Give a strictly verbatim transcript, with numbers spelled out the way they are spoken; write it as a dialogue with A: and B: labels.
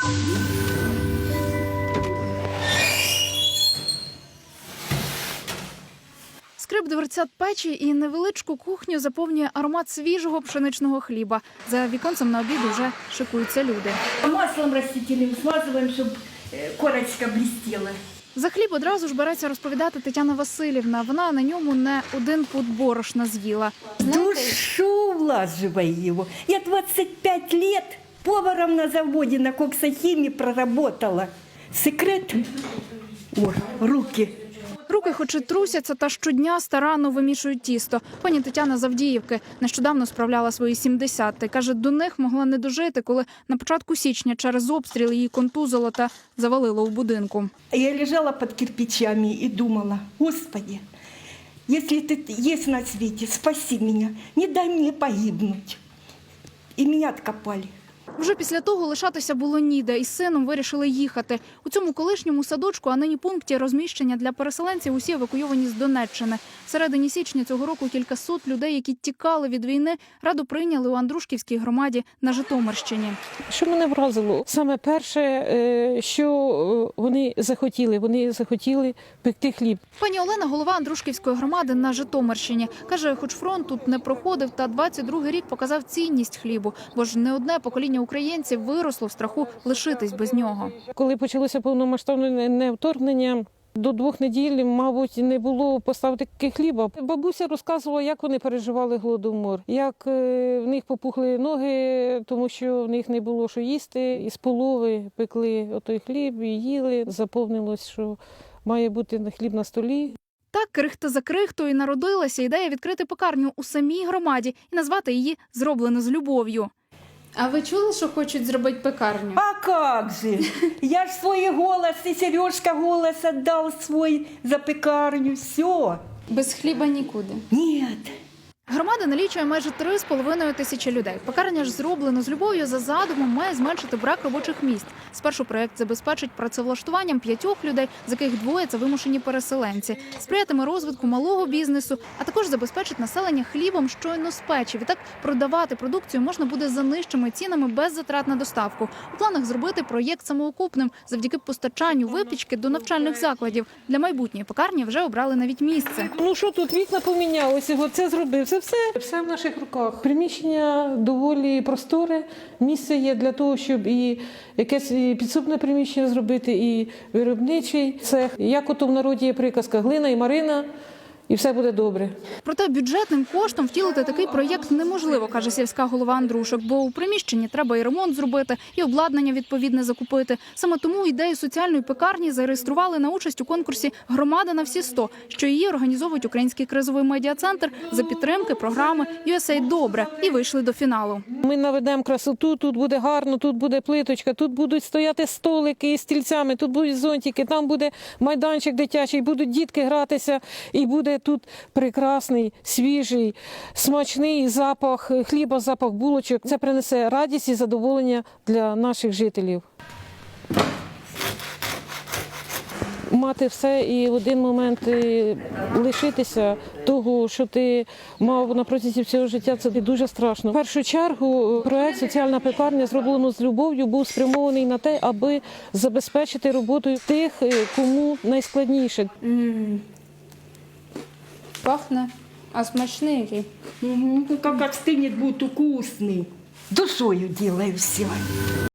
A: Скрип дверцят печі і невеличку кухню заповнює аромат свіжого пшеничного хліба. За віконцем на обід уже шикуються люди.
B: Маслом растительным смазываем, чтобы корочка блестела.
A: За хліб одразу ж береться розповідати Тетяна Васильівна. Вона на ньому не один пуд борошна з'їла.
B: Душу влаживай его. Я двадцать пять лет поваром на заводе на коксохимии проработала. Секрет? О, руки.
A: Руки хоч і трусяться, та щодня старанно вимішують тісто. Пані Тетяна з Авдіївки нещодавно справляла свої сімдесят. Та каже, до них могла не дожити, коли на початку січня через обстріл її контузило та завалило у будинку.
B: Я лежала под кирпичами и думала: Господи, если ты есть на свете, спаси меня, не дай мне погибнуть. И меня откопали.
A: Вже після того лишатися було ніде, і з сином вирішили їхати. У цьому колишньому садочку, а нині пункті розміщення для переселенців, усі евакуйовані з Донеччини. В середині січня цього року кількасот людей, які тікали від війни, раду прийняли у Андрушківській громаді на Житомирщині.
C: Що мене вразило? Саме перше, що вони захотіли, вони захотіли пекти хліб.
A: Пані Олена – голова Андрушківської громади на Житомирщині. Каже, хоч фронт тут не проходив, та двадцять другий рік показав цінність хлібу, бо ж не одне покоління українців виросло в страху лишитись без нього.
C: Коли почалося повномасштабне вторгнення, до двох неділь, мабуть, не було поставки хліба. Бабуся розказувала, як вони переживали голодомор, як в них попухли ноги, тому що в них не було що їсти. Із полови пекли отой хліб і їли. Заповнилось, що має бути хліб на столі.
A: Так, крихта за крихтою народилася ідея відкрити пекарню у самій громаді і назвати її «Зроблено з любов'ю».
D: А ви чули, що хочуть зробити пекарню?
B: А как же? Я ж свой голос, и Сережка голос отдал свой за пекарню. Все.
D: Без хліба нікуди.
B: Нет.
A: Громада налічує майже три з половиною тисячі людей. Пекарня ж «Зроблено з любов'ю» за задумом має зменшити брак робочих місць. Спершу проєкт забезпечить працевлаштуванням п'ятьох людей, з яких двоє – це вимушені переселенці. Сприятиме розвитку малого бізнесу, а також забезпечить населення хлібом щойно з печі. Відтак продавати продукцію можна буде за нижчими цінами без затрат на доставку. У планах зробити проєкт самоокупним завдяки постачанню випічки до навчальних закладів. Для майбутньої пекарні вже обрали навіть місце.
C: Ну що тут, вікна помінялися, це зробив. Це все, все в наших руках. Приміщення доволі просторе, місце є для того, щоб і якесь підсобне приміщення зробити, і виробничий цех. Як ото в народі є приказка «Глина і Марина», і все буде добре.
A: Проте бюджетним коштом втілити такий проєкт неможливо, каже сільська голова Андрушок, бо у приміщенні треба і ремонт зробити, і обладнання відповідне закупити. Саме тому ідею соціальної пекарні зареєстрували на участь у конкурсі «Громада на всі сто», що її організовують Український кризовий медіа-центр за підтримки програми ю ес ей Добре, і вийшли до фіналу.
C: Ми наведемо красоту, тут буде гарно, тут буде плиточка, тут будуть стояти столики із стільцями, тут будуть зонтики, там буде майданчик дитячий, будуть дітки гратися, і буде тут прекрасний, свіжий, смачний запах хліба, запах булочок. Це принесе радість і задоволення для наших жителів. Мати все і в один момент лишитися того, що ти мав на протязі всього життя, це дуже страшно. В першу чергу проект «Соціальна пекарня. Зроблено з любов'ю» був спрямований на те, аби забезпечити роботу тих, кому найскладніше.
D: М-м. Пахне, а смачний який.
B: Угу. Ну, как остынет, будет вкусный. Душою делаю все.